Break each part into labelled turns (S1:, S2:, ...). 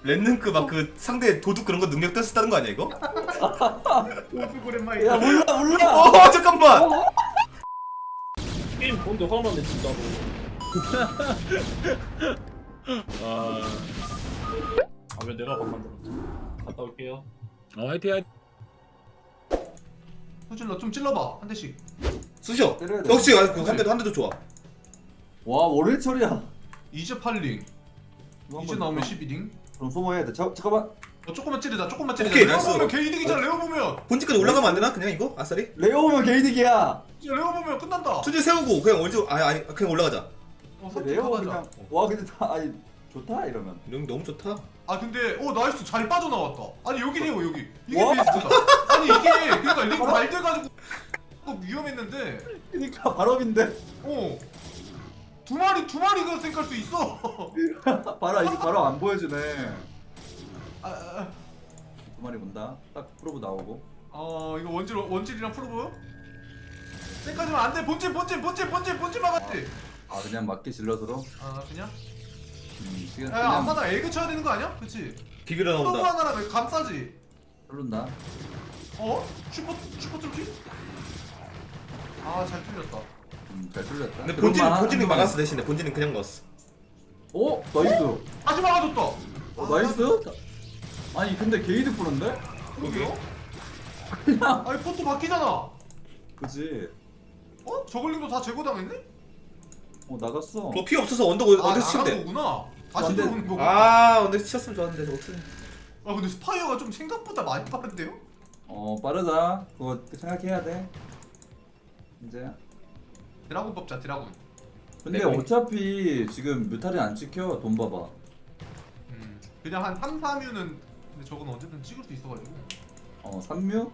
S1: 랜능크 막 그 상대 도둑 그런 거 능력 떴었다는 거 아니야 이거?
S2: 오죽 오랜만이다.
S3: 야 몰라.
S1: 잠깐만.
S4: 게임 본데 화나네 진짜로. 왜 내가 밥 만들었지? 갔다 올게요.
S5: 화이팅.
S2: 소질러 좀 찔러봐 한 대씩.
S1: 쑤셔.
S3: 때려야 돼.
S1: 역시 한 대도 좋아.
S3: 와 월요일 처리야.
S2: 이제 8링. 이제 나오면 12링.
S3: 그럼 소모해야 돼. 잠깐만.
S2: 조금만 찌르자. 조금만 찌르자.
S1: 오케이,
S2: 레오
S1: 나이스.
S2: 보면 개이득이잖아. 레오 보면.
S1: 본진까지 올라가면 안 되나? 그냥 이거 아싸리?
S3: 레오 오면 개이득이야.
S2: 이제 레오 보면 끝난다.
S1: 수지 세우고 그냥 아니 그냥 올라가자.
S3: 레오
S2: 가자.
S3: 그냥 와 근데 다 아니 좋다 이러면.
S1: 이런 게 너무 좋다.
S2: 아 근데 나이스 잘 빠져나왔다. 아니 여기네요 여기. 이게
S3: 와.
S2: 베이스다. 아니 이게 그러니까 링 잘 돼가지고 위험했는데.
S3: 그러니까 발업인데.
S2: 두 마리가 생각할 수 있어.
S3: 바로 이제 바로 안 보여주네.
S2: 아,
S3: 두 마리 본다. 딱 프로브 나오고.
S2: 이거 원질이랑 프로브. 생각하지만 안 돼. 본질 막았지.
S3: 아 그냥 맞게 질러서로.
S2: 그냥.
S3: 시간
S2: 야 안마다 에그 쳐야 되는 거 아니야? 그치?
S1: 비비러
S2: 프로브
S1: 나온다.
S2: 하나랑 감싸지.
S3: 흐른다.
S2: 슈퍼 뚫기? 잘 틀렸다.
S3: 잘 뚫렸다.
S1: 근데
S3: 그것만
S1: 본진이
S3: 한
S1: 막았어 대신에 본진은 그냥 넣었어.
S3: 오 나이스.
S2: 다시 막아줬다.
S3: 나이스. 아니 근데 게이드 뿌는데?
S2: 그러게요?
S3: 그냥.
S2: 아니 포토 바뀌잖아.
S3: 그지.
S2: 저글링도 다 제거당했네?
S3: 나갔어.
S1: 그거 피 없어서 언덕
S2: 나간
S1: 치면 돼.
S2: 거구나. 다시
S3: 근데-
S2: 들어오는 거구나.
S1: 언덕 치셨으면 좋았는데 저거 어떡해.
S2: 근데 스파이어가 좀 생각보다 많이 빠른데요?
S3: 빠르다. 그거 생각해야 돼. 이제.
S2: 드라군 뽑자 드라군.
S3: 근데
S1: 내가
S3: 어차피 지금 뮤탈이 안 찍혀. 돈 봐봐.
S2: 그냥 한 3, 4뮤는 근데 저건 언제든 찍을 수 있어가지고
S3: 3뮤?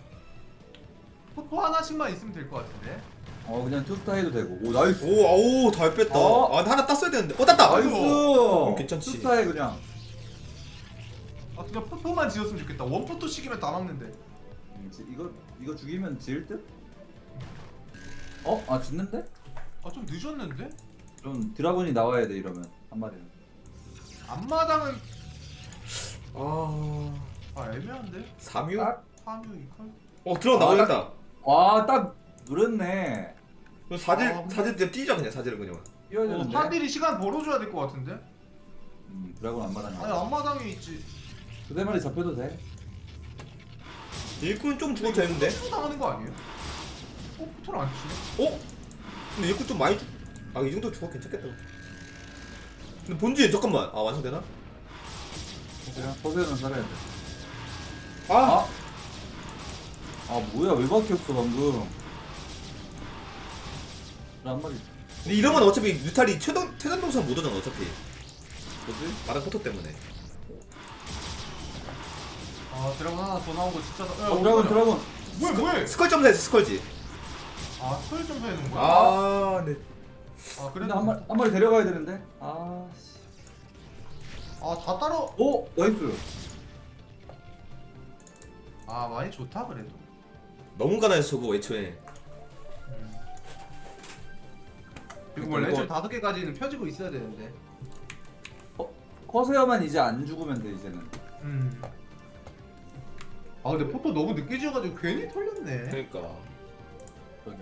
S2: 포토 하나씩만 있으면 될 것 같은데.
S3: 그냥 투스타 해도 되고. 오 나이스.
S1: 오 잘 뺐다. 근데 하나 땄어야 되는데. 땄다.
S3: 나이스.
S1: 괜찮지.
S3: 투스타 해 그냥.
S2: 그냥 포토만 지었으면 좋겠다. 원 포토씩이면 다 막는데.
S3: 이거 죽이면 지을 듯? 짓는데?
S2: 좀 늦었는데?
S3: 좀 드라곤이 나와야 돼 이러면 한 마리는.
S2: 앞마당은 애매한데?
S1: 3유?
S3: 딱.
S2: 4뮤 2컬?
S1: 들어가 나오겠다.
S3: 와딱 누렸네.
S1: 사질 그냥 뛰자 그냥 사질은 그냥.
S3: 뛰어야 되는데.
S2: 사딜이 시간 벌어줘야 될 것 같은데?
S3: 드라곤 안 받았냐?
S2: 아니 앞마당에 있지.
S3: 두세 마리 잡혀도 돼.
S1: 일꾼 좀 죽어도 되는데.
S2: 치고 당하는 거 아니에요? 포토를 안 치네?
S1: 근데 일꾼 좀 많이 이 정도 죽어 괜찮겠다. 근데 본진 잠깐만. 완성되나?
S3: 그냥 포세는 살아야 돼.
S1: 아!
S3: 뭐야 왜 밖에 없어 방금. 한 마리.
S1: 근데 이러면 어차피 뮤탈이 최단 동선 못 오잖아 어차피.
S3: 뭐지?
S1: 마당 포토 때문에.
S2: 드라곤 하나 더 나온 거 진짜
S3: 드라곤.
S2: 뭐야?
S1: 스컬 점사했어 스컬지.
S2: 스컬 좀 해놓은 거야?
S1: 네.
S3: 근데
S2: 그래도
S3: 한 마리 데려가야 되는데. 씨.
S2: 다 따로
S3: 오 나이스.
S2: 많이 좋다 그래도.
S1: 너무 가난해서 저거 애초에.
S2: 그리고 원래
S3: 이거-
S2: 좀 5개까지는 펴지고 있어야 되는데.
S3: 커세어만 이제 안 죽으면 돼 이제는.
S2: 근데 포토 너무 늦게 지어가지고 괜히 털렸네.
S1: 그러니까.
S3: 저기.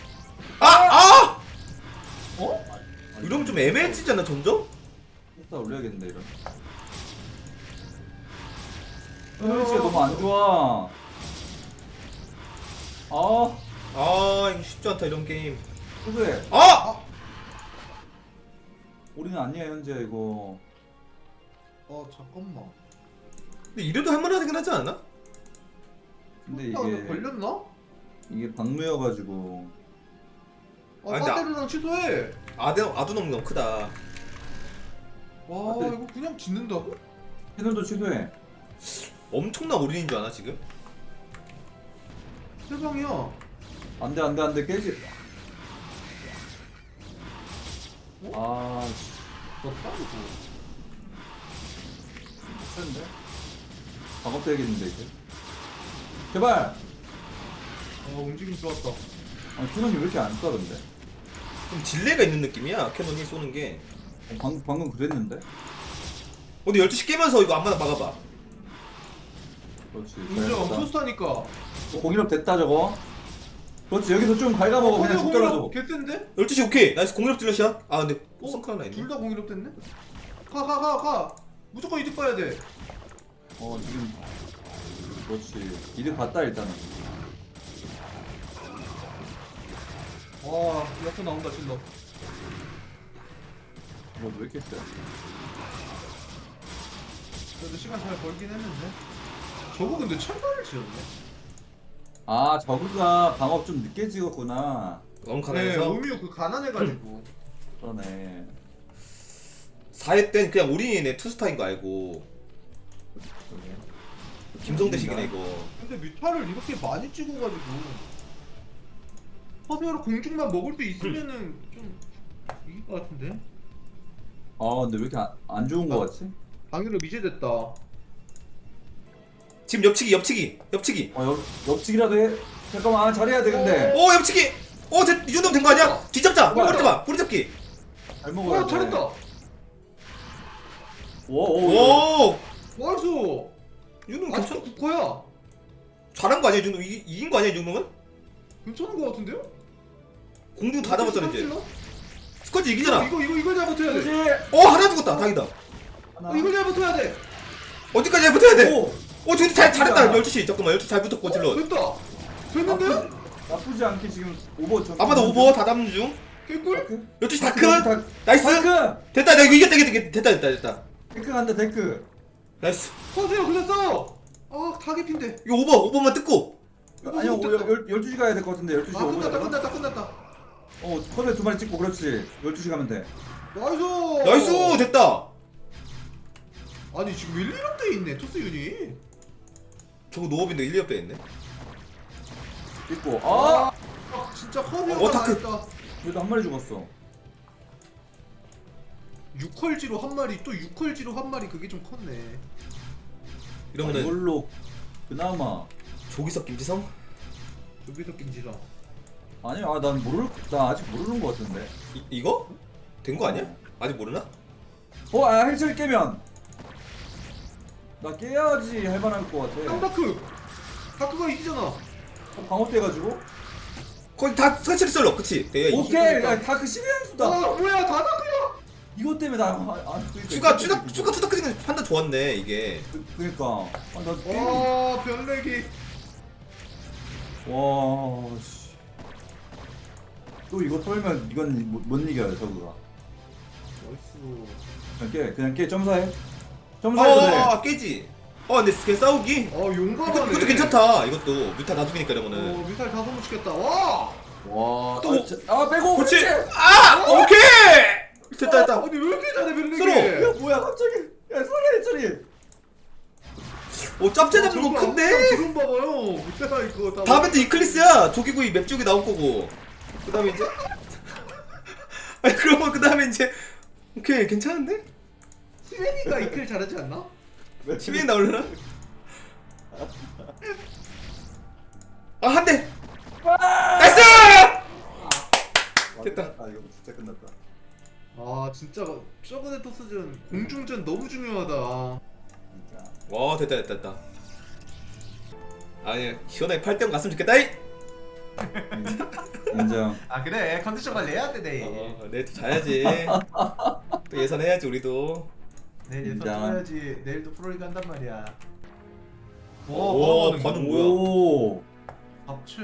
S1: 이러면 좀 애매해지잖아 점점?
S3: 투스타 올려야겠는데 이런. 에너지가 너무 안 좋아.
S1: 이거 쉽지 않다 이런 게임.
S3: 그래. 우리는 아니야 현재 이거.
S2: 잠깐만.
S1: 근데 이래도 할만하긴 하지 않아?
S3: 근데
S2: 이게
S3: 이게
S2: 걸렸나?
S3: 이게 박무여가지고.
S1: 근데
S2: 빠데르랑 취소해.
S1: 아두 너무 크다.
S2: 이거 그냥 짓는다고?
S3: 해널도 취소해.
S1: 엄청난 올인인 줄 아나 지금?
S2: 세상이야.
S3: 안돼 깨지. 씨.
S2: 졌다 이거.
S3: 센데? 작업돼야겠는데 이제. 제발.
S2: 움직임 좋았다.
S3: 캐논이 왜 이렇게 안 쏴 근데?
S1: 좀 딜레이가 있는 느낌이야 캐논이 쏘는 게.
S3: 방금 그랬는데?
S1: 근데 12시 깨면서 이거 안마다 막아봐.
S3: 그렇지.
S2: 인정.
S3: 잘했다.
S2: 토스타니까.
S3: 공일업 됐다 저거. 그렇지 여기서 좀 갉아먹어 그냥 죽더라도.
S2: 개뜬데?
S1: 12시 오케이. 나이스 공유럽 딜러시야. 아 근데 성크 하나 있네.
S2: 둘 다 공일업 됐네? 가. 무조건 이득 봐야 돼.
S3: 지금 그렇지. 이득 봤다 일단은.
S2: 와, 약간 나온다, 질러.
S3: 왜 이렇게 세?
S2: 그래도 시간 잘 벌긴 했는데. 저거 근데 철발을 지었네.
S3: 아 저그가 방업 좀 늦게 찍었구나.
S1: 너무
S2: 네,
S1: 가난해서
S2: 오미오 그 가난해가지고.
S3: 그러네.
S1: 4회 땐 그냥 올인이네. 투스타인 거 알고. 김성대식이네 이거.
S2: 근데 뮤타를 이렇게 많이 찍어가지고. 허세로 공중만 먹을 수 있으면은 좀 이길 것 같은데?
S3: 근데 왜 이렇게 안 좋은 거 같지?
S2: 방위로 미제됐다.
S1: 지금 옆치기.
S3: 옆치기라도 해. 잠깐만 잘해야 돼 근데.
S1: 오 옆치기. 이 정도면 된 거 아니야? 뒤잡자.
S3: 뭐야?
S1: 꼬리 잡기.
S3: 잘 먹어야 돼.
S2: 잘했다!
S3: 오.
S1: 오.
S2: 나이스!
S1: 이 정도면
S2: 아직도
S1: 괜찮.
S2: 9%야!
S1: 잘한 거 아니야 이 정도? 이긴 거 아니야 이 정도면?
S2: 괜찮은 것 같은데요?
S1: 공중 다 잡았잖아 이제. 스쿼지 이기잖아.
S2: 이거 잘 버텨야 돼.
S3: 그렇지.
S1: 하나 죽었다. 다행이다.
S2: 이거 잘 버텨야 돼.
S1: 어디까지 잘 붙어야 돼?
S3: 오.
S1: 저기 잘했다. 12시. 잠깐만 12시 잘 붙었고 질러.
S2: 됐다. 됐는데?
S3: 나쁘지 않게 지금 오버 좀.
S1: 아마도 오버 다 잡는 중.
S2: 개꿀?
S1: 12시 다크. 나이스.
S3: 데크.
S1: 됐다. 나 이거 이겼다. 됐다.
S3: 데크 간다 데크.
S1: 나이스.
S2: 허세요 그냥 싸워. 아 타겟핀데.
S1: 이거 오버만 뜯고.
S3: 아니요 12시 가야 될 것 같은데 12시
S2: 아
S3: 오버.
S2: 끝났다.
S3: 컵에 2마리 찍고 그렇지. 12시 가면 돼.
S2: 나이스.
S1: 나이스. 됐다.
S2: 아니 지금 1, 2업 돼 있네 토스 유닛.
S1: 저거 노업인데 1, 2업 빼있네.
S3: 찍고.
S2: 아 진짜 허세요가
S1: 다크.
S2: 나했다.
S3: 그래도 한 마리 죽었어.
S2: 6컬지로 한 마리 또 6컬지로 한 마리 그게 좀 컸네.
S1: 이러면은
S3: 이걸로 그나마.
S1: 조기석 김지성?
S2: 여기서 김지성.
S3: 아니 나 아직 모르는 것 같은데.
S1: 이거? 된 거 아니야? 아직 모르나?
S3: 헬스를 깨면 나 깨야지 할만할 것 같아.
S2: 쌍다크. 다크가 이기잖아.
S3: 방어 떼가지고.
S1: 거의 다 설치를 썰러. 그치? 내가
S3: 오케이. 다그 12연수다.
S2: 아 뭐야 다 다크야.
S3: 이것 때문에
S1: 추가 투닥 판단 좋았네 이게.
S3: 그니까.
S2: 와 변래기.
S3: 와 씨. 또 이거 털면 이건 못 이겨요 저거가.
S2: 나이스.
S3: 그냥 깨 점사해. 점사해도 돼.
S1: 깨지. 근데 걔 싸우기?
S2: 용감하네.
S1: 이것도 괜찮다. 이것도 뮤타 나중이니까 이러면은.
S2: 미사일 다섯 번 치겠다. 와.
S3: 와.
S1: 또-
S3: 빼고.
S1: 그렇지.
S3: 그렇지.
S1: 오케이. 됐다.
S2: 아니 왜 이렇게 잘해 변래기?
S1: 서로.
S3: 야 뭐야 갑자기. 야 소리 처리.
S1: 짭째 잡는 거 큰데.
S2: 드론 봐봐요. 밑에가 이거 다.
S1: 다음에 또 이클리스야. 조기구이 맵 쪽이 나올 거고. 그 다음에 이제. 아니 그러면 그 다음에 이제. 오케이 괜찮은데?
S2: 시웬이가 이클 잘하지 않나?
S1: 시민이 나올려나? 한 대! 나이스! 됐다.
S3: 이거 진짜 끝났다.
S2: 아 진짜 저번에 토스전 공중전 너무 중요하다.
S3: 진짜.
S1: 와 됐다. 아니 시원하게 8대0 갔으면 좋겠다 이!
S3: 인정.
S2: 아 그래 컨디션 관리해야 돼 내일.
S1: 내일 또 자야지. 또 예선해야지 우리도.
S2: 내일 예선
S3: 인정.
S2: 쳐야지. 내일도 프로리그 한단 말이야.
S1: 오, 반응 뭐야?
S3: 오.
S2: 합체.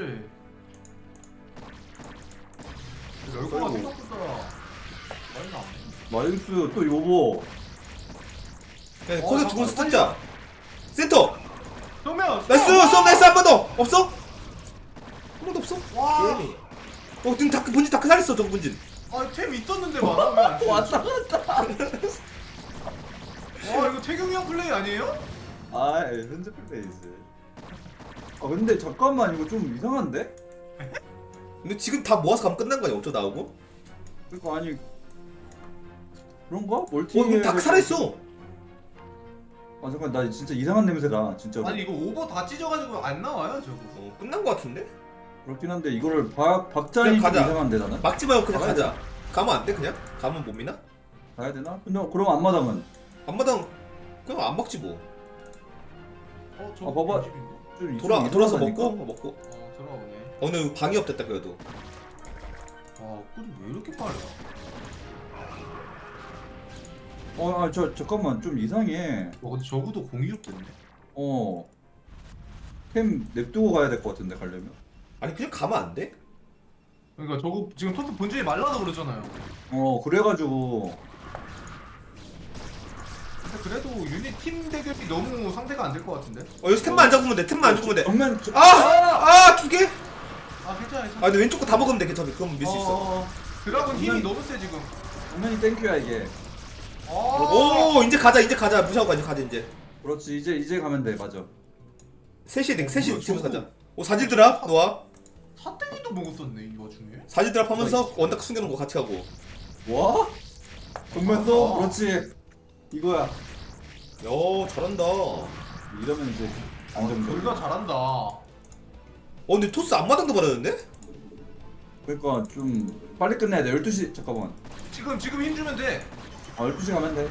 S2: 열거가 생각보다 많이 나왔네.
S3: 마이스 또 요보.
S1: 그냥 코스 두번 스탑자. 센터!
S2: 정면.
S1: 나이스! 썸 나이스 한 번 더! 없어? 한 번도 없어?
S2: 와.
S1: 게임이. 지금 다크 본진 다크 살렸어 저거 본진.
S2: 아템 있었는데 많아 왜안 돼?
S3: 왔다.
S2: 와 이거 태경이 형 플레이 아니에요?
S3: 현재 플레이즈. 근데 잠깐만 이거 좀 이상한데?
S1: 근데 지금 다 모아서 가면 끝난 거 아니야? 어쩌 나오고?
S3: 그러니까 아니 그런가? 멀티.
S1: 이거 다크 살아있어.
S3: 잠깐 나 진짜 이상한 냄새다 진짜.
S2: 아니 이거 오버 다 찢어가지고 안 나와요 저거.
S1: 끝난 거 같은데?
S3: 그렇긴 한데 이거를 박자리 좀
S1: 그냥 가자.
S3: 이상한데 나는.
S1: 막지 말고 그냥
S3: 가야
S1: 가자. 가면 안 돼 그냥? 가면 못 미나?
S3: 가야 되나? 근데 그럼 앞마당은
S1: 앞마당 그냥 안 먹지 뭐.
S2: 저거
S3: 봐봐.
S2: 집인가?
S3: 좀
S1: 돌아서
S3: 이상하다니까?
S1: 먹고.
S2: 들어오네.
S1: 오늘 방이 없댔다 그래도.
S2: 꿀이 왜 이렇게 빨라?
S3: 잠깐만 좀 이상해.
S2: 근데 저구도 공이롭 됐네.
S3: 템 냅두고 가야 될 것 같은데 가려면.
S1: 아니 그냥 가면 안 돼?
S2: 그러니까 저거 지금 토스 본질이 말라서 그러잖아요.
S3: 그래가지고
S2: 근데 그래도 유닛 팀 대결이 너무 상대가 안 될 것 같은데?
S1: 여기서 템만 안 잡으면 돼. 템만 안 잡으면 돼.
S3: 정면
S1: 두 개?
S2: 괜찮아.
S1: 근데 왼쪽 거 다 먹으면 돼. 괜찮아. 그럼 밀 수 있어.
S2: 드라군 힘이
S3: 정면-
S2: 너무 세 지금.
S3: 정면이 땡큐야 이게.
S1: 오 이제 가자 무시하고 가자 이제.
S3: 그렇지 이제 가면 돼 맞아.
S1: 셋이
S2: 뭐야,
S1: 지금
S2: 저거.
S1: 가자. 사질 드랍 놓아.
S2: 사땡이도 먹었었네 이 와중에.
S1: 사질 드랍 하면서 원닥 숨겨놓은 거 같이 하고.
S3: 와? 정면도 그렇지. 이거야.
S1: 잘한다.
S3: 이러면 이제 안정적.
S2: 둘다 잘한다.
S1: 근데 토스 앞마당도 받았는데?
S3: 그러니까 좀 빨리 끝내야 돼. 12시 잠깐만.
S2: 지금 힘 주면 돼.
S3: 12시 가면 돼.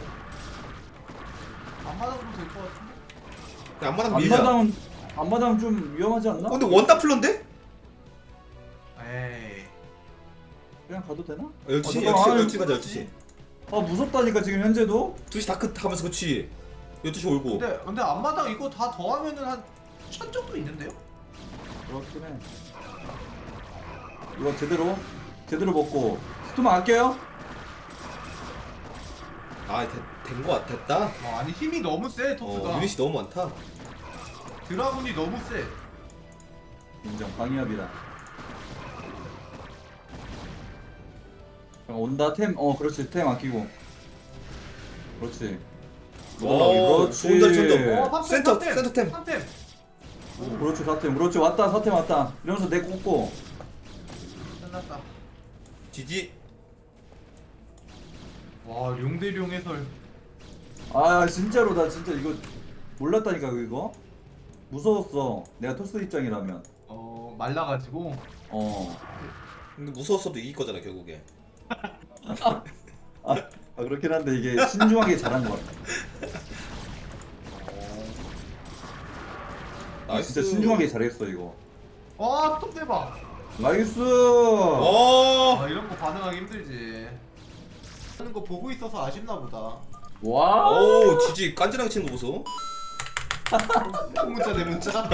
S2: 앞마당으로 될 것 같은데?
S1: 그냥 앞마당 밀자.
S3: 앞마당 좀 위험하지 않나?
S1: 근데 원닥 플런데?
S2: 에이.
S3: 그냥 가도 되나?
S1: 12시
S3: 잠깐만.
S1: 12시 가자 12시.
S3: 무섭다니까 지금 현재도.
S1: 2시 다크 하면서 그치. 12시 올고.
S2: 근데 앞마당 이거 다 더하면은 한 1000 정도 있는데요?
S3: 그렇긴 해. 이거 제대로 먹고 스토마 아껴요?
S1: 된거 같 됐다.
S2: 아니 힘이 너무 세 토스가.
S1: 유닛이 너무 많다.
S2: 드라군이 너무 세.
S3: 인정 방위합이다. 온다 템 그렇지 템 아끼고 그렇지 그렇지
S1: 좋은 자리 쳤다.
S2: 센터
S1: 센터템.
S2: 3템.
S3: 그렇지 4템 그렇지 왔다 4템 왔다 이러면서 내 꽂고
S2: 끝났다.
S1: 지지.
S2: 와 룡대룡 해설.
S3: 진짜로 나 진짜 이거 몰랐다니까 이거 무서웠어 내가 토스 입장이라면
S2: 말라가지고.
S1: 근데 무서웠어도 이길 거잖아 결국에.
S3: 그렇긴 한데 이게 신중하게 잘한 것 같아
S1: 나이스.
S3: 진짜 신중하게 잘했어 이거
S2: 와, 톱 대박.
S3: 나이스
S2: 이런 거 반응하기 힘들지. 하는 거 보고 있어서 아쉽나 보다.
S3: 와
S1: 지지 깐지나게 치는 거 보소.
S2: 큰 문자 내 문자.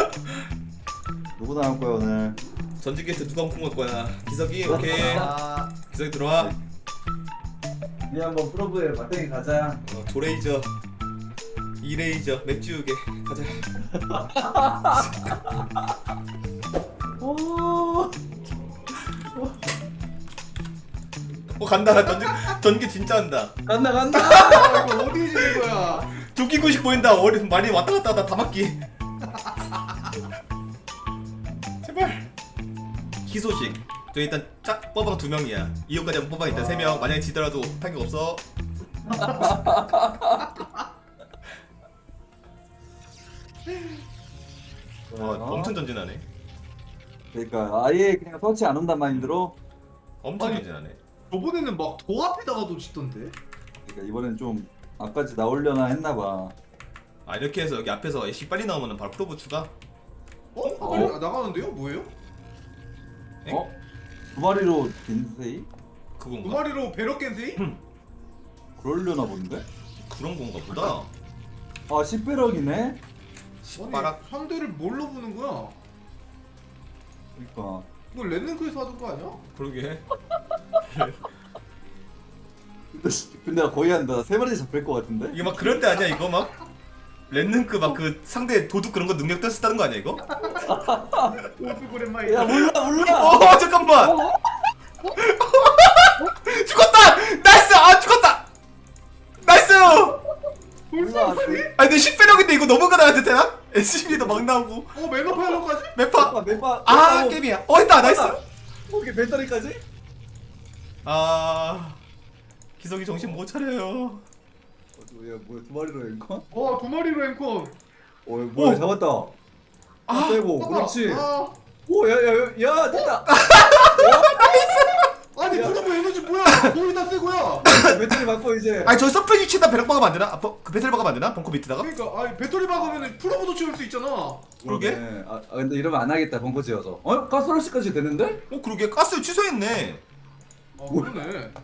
S3: 누구 나올 거야 오늘
S1: 전직 게스트 누가 홍콩 갈 거야? 기석이 오케이.
S2: 아,
S1: 기석이 들어와.
S3: 우리 한번 프로브에 맞대기 가자
S1: 조레이저, 이레이저, 맥주우게 가자. 간다. 전기 진짜 한다.
S3: 간다
S2: 이거 어디 지는 거야?
S1: 조끼구식 보인다. 많이 왔다 갔다 하다 다 맞기. 제발. 희소식. 저 일단 짝 뽀방 2명이야. 이호까지 한번 뽀방 일단 3명. 만약에 지더라도 타격 없어. 엄청 전진하네.
S3: 그러니까 아예 그냥 터치 안 온단 마인드로
S1: 엄청
S2: 아니.
S1: 전진하네.
S2: 저번에는 막 도 앞에다가도 짓던데.
S3: 그러니까 이번엔 좀 앞까지 나오려나 했나봐
S1: 이렇게 해서 여기 앞에서 애쉬 빨리 나오면 바로 프로브 추가.
S2: 빨리 나가는데요? 뭐예요?
S3: 두 마리로 빈세이?
S2: 두
S1: 그건가?
S2: 마리로 배럭 겐세이?
S3: 그러려나 본데?
S1: 그런 건가 보다.
S3: 10배럭이네?
S1: 시바락.
S2: 상대를 뭘로 보는 거야?
S3: 그러니까
S2: 이거 랜능크에서 하던 거 아니야?
S1: 그러게.
S3: 근데 거의 한다 3마리 잡힐 것 같은데?
S1: 이게 막 그럴 때 아니야 이거 막? 랜능크 막 그 상대 도둑 그런 거 능력 떴었다는 거 아니야 이거?
S2: 오프고랜마이.
S3: 야 몰라
S1: 잠깐만. 죽었다. 나이스. 죽었다. 나이스.
S3: 몰라
S1: 근데 10배력인데 이거 넘어가나야 되나? SCB도 막 나오고.
S2: 매너 파일럿까지?
S1: 매파.
S3: 매파
S1: 게임이야. 했다. 나이스.
S3: 거기 배터리까지?
S1: 기석이 정신 못 차려요.
S3: 뭐야 2마리로 앵커?
S2: 두 마리로 앵커.
S3: 뭐야 잡았다 빼고 그렇지
S2: 아,
S3: 오야야야 됐다
S2: 아니
S3: 야.
S2: 그러면 에너지 뭐야? 거의 다 새고야.
S3: 배터리 바꿔 이제.
S1: 아니 저 서프 위치에다 배럭 박으면 안 되나? 아, 그 배터리 박으면 안 되나? 벙커 밑에다가?
S2: 그러니까 아 배터리 박으면 프로보도 채울 수 있잖아.
S1: 그러게?
S3: 그러네. 근데 이러면 안 하겠다 벙커 지어서. 가스러시까지 되는데?
S1: 그러게 가스 취소했네.
S2: 아 그러네.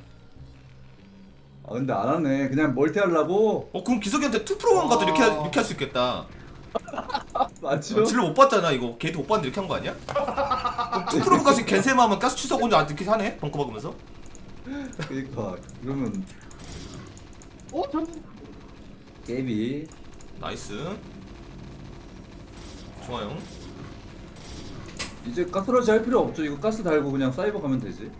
S3: 근데 안 하네. 그냥 멀티 하려고.
S1: 그럼 기석이한테 2프로만 가도 이렇게
S2: 아.
S1: 이렇게 할 수 있겠다.
S3: 맞죠?
S1: 질러 못 봤잖아 이거. 걔도 못 봤는데 이렇게 한 거 아니야? 2프로 가서 겐세마 하면 가스 취소하고 혼자 이렇게 하네? 벙커 박으면서?
S3: 그러니까 그러면
S2: 전
S3: 게임이
S1: 나이스. 좋아요.
S3: 이제 가스러시 할 필요 없죠. 이거 가스 달고 그냥 사이버 가면 되지.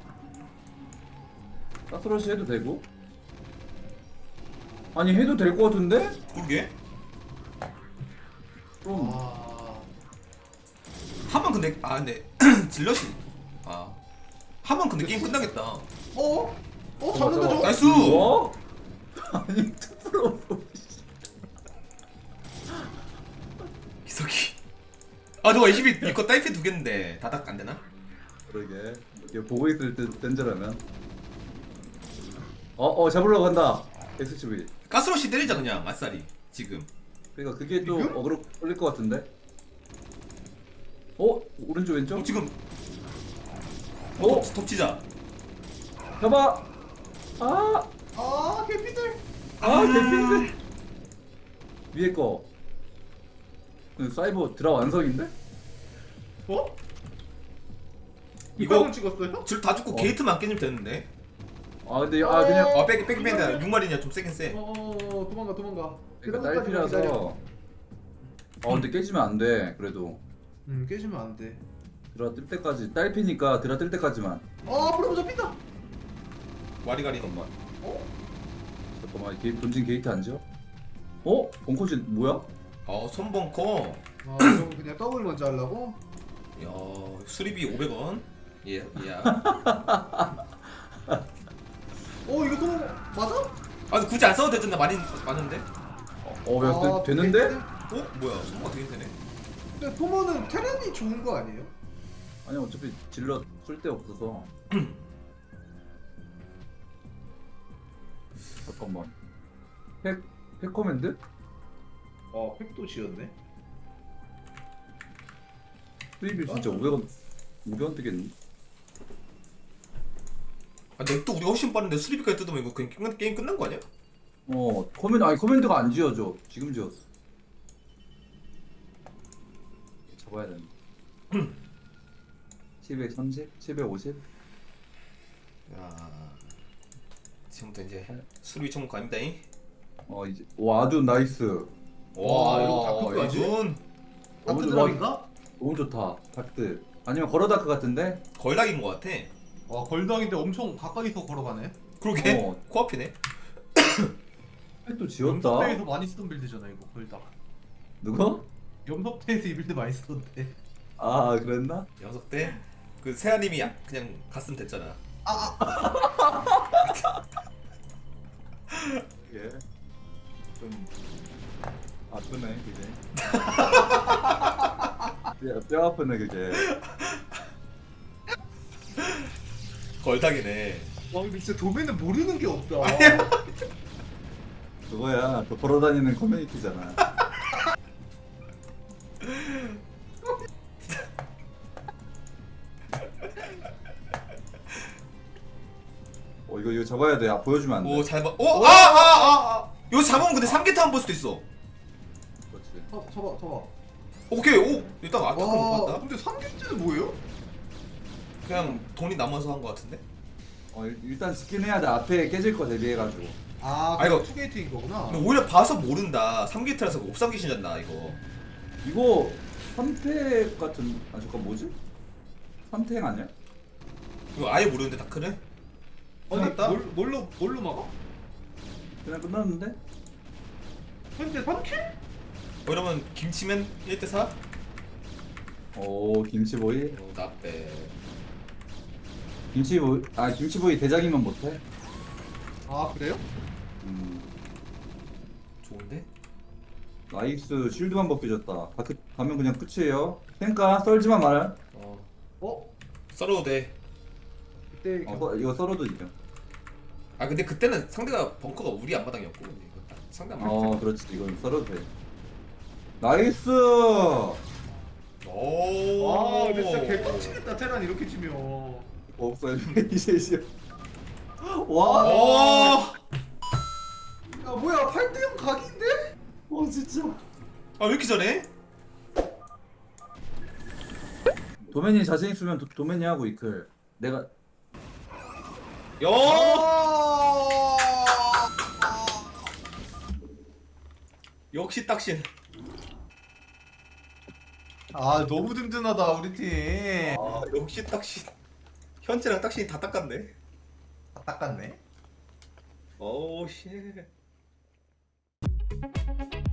S3: 가스러시 해도 되고. 아니 해도 될 것 같은데?
S1: 그러게.
S3: 좀
S1: 하면 근데 근데 질럿이 하면 근데 게임 끝나겠다.
S2: 잡는다 저거.
S1: 나이스.
S3: 뭐? 아니 투프로
S1: 기석이. 저거 22 이거 딸피 두 개인데 다닥 안 되나?
S3: 그러게 이렇게 보고 있을 때 던져라면 잡으려고 한다 SCV.
S1: 가스러시 때리자 그냥 아싸리 지금.
S3: 그러니까 그게 또
S2: 지금?
S3: 어그로 걸릴 것 같은데. 오른쪽 왼쪽?
S1: 지금
S3: 어?
S1: 덮치자.
S3: 잡아.
S2: 개피들.
S3: 개핀데. 위에 거. 사이버 드라 완성인데?
S2: 이거 찍었어요?
S1: 줄 다 죽고 게이트만 깨지면 되는데.
S3: 근데 그냥
S1: 빼기 뺀다. 6마리냐 좀 세긴 세.
S2: 도망가.
S3: 그러니까 딸피라서. 근데 깨지면 안 돼. 그래도
S2: 깨지면 안 돼.
S3: 드라 뜰 때까지 딸피니까 드라 뜰 때까지만.
S2: 프로보 잡힌다.
S1: 와리가리.
S3: 잠깐만 본진 게이트 안 지어? 벙커진 뭐야?
S1: 손벙커.
S2: 그럼 그냥 더블 먼저 하려고?
S1: 야 수리비 500원. 예.
S2: 이거 또 맞아?
S1: 근데 굳이 안 써도 되잖아. 많은데.
S3: 되는데?
S1: 뭐야? 손벙커 되긴 되네.
S2: 근데 토모는 테란이 좋은 거 아니에요?
S3: 아니 어차피 질러 쓸 데 없어서. 잠깐만. 팩커맨드?
S2: 팩도 지었네.
S3: 수입이 진짜 500원 뜨겠니?
S1: 넥도 우리가 훨씬 빠른데 수리비까지 뜯으면 이거 그냥 게임 끝난 거 아니야?
S3: 커맨드가 안 지어져. 지금 지었어. 잡아야 되는데. 730? 750?
S1: 야 지금부터 이제 수리비 총무 아닙니다잉.
S3: 이제 아주 나이스.
S2: 와, 이거 다크까지?
S1: 이건
S3: 너무
S2: 다크
S3: 좋아.
S2: 드랍인가?
S3: 너무 좋다. 다크. 아니면 걸어다크 같은데?
S1: 걸락인 거 같아.
S2: 걸당인데 엄청 가까이서 걸어가네.
S1: 그러게 코앞이네.
S3: 또 지었다.
S2: 염석대에서 많이 쓰던 빌드잖아 이거 걸당.
S3: 누가?
S2: 염석대에서 이 빌드 많이 쓰던데.
S3: 그랬나?
S1: 영석 때 그 세아님이 그냥 갔으면 됐잖아.
S3: 예. 좀 아프네 그게. 뼈 아프네 그게.
S1: 걸락이네.
S2: 근데 진짜 도배는 모르는 게 없다.
S3: 그거야. 그 걸어다니는 커뮤니티잖아. 이거 잡아야 돼. 보여주면 안 돼.
S1: 오잘 봐. 이거 잡으면 근데 3개 타면 볼 수도 있어.
S3: 그렇지.
S2: 잡아.
S1: 오케이. 일단 아까 못 봤다.
S2: 근데 3개째는 뭐예요?
S1: 그냥 돈이 남아서 한 거 같은데.
S3: 일단 지킨 해야 돼. 앞에 깨질 거 대비해가지고.
S1: 이거
S2: 투게이트인 거구나.
S1: 근데 오히려 봐서 모른다. 3게이트라서 옵삼 귀신이었나 이거.
S3: 이거 3팩 같은. 잠깐 뭐지? 3팩 아니야?
S1: 이거 아예 모르는데 다크를? 끝났다?
S2: 뭘로 막아?
S3: 그냥 끝났는데?
S2: 현재 3킬?
S1: 이러면 김치맨 1대4?
S3: 김치보이.
S1: 나빼.
S3: 김치보이 대장이면 못해?
S2: 그래요?
S1: 좋은데?
S3: 나이스. 쉴드만 벗겨졌다. 가면 그냥 끝이에요. 탱까 썰지만 말아.
S1: 썰어도 돼.
S2: 그때
S3: 이거 썰어도 이겨.
S1: 아 근데 그때는 상대가 벙커가 우리 앞마당이었고 근데 이거 딱 상대 앞마당.
S3: 그렇지. 이건 썰어도 돼. 나이스.
S1: 오.
S2: 와 근데 진짜 개빡치겠다 테란 이렇게 치면.
S3: 없어요. 이제 와.
S1: 오.
S2: 야 뭐야 8대0 각인데?
S3: 진짜.
S1: 아왜 이렇게 잘해?
S3: 도맨이 자신 있으면 도맨이 하고 이클. 내가
S1: 야. 역시 딱신.
S2: 아 너무 든든하다 우리 팀.
S1: 아 역시 딱신. 현재랑 딱신이 다 닦았네.
S2: 다 닦았네.
S1: 오우 씨.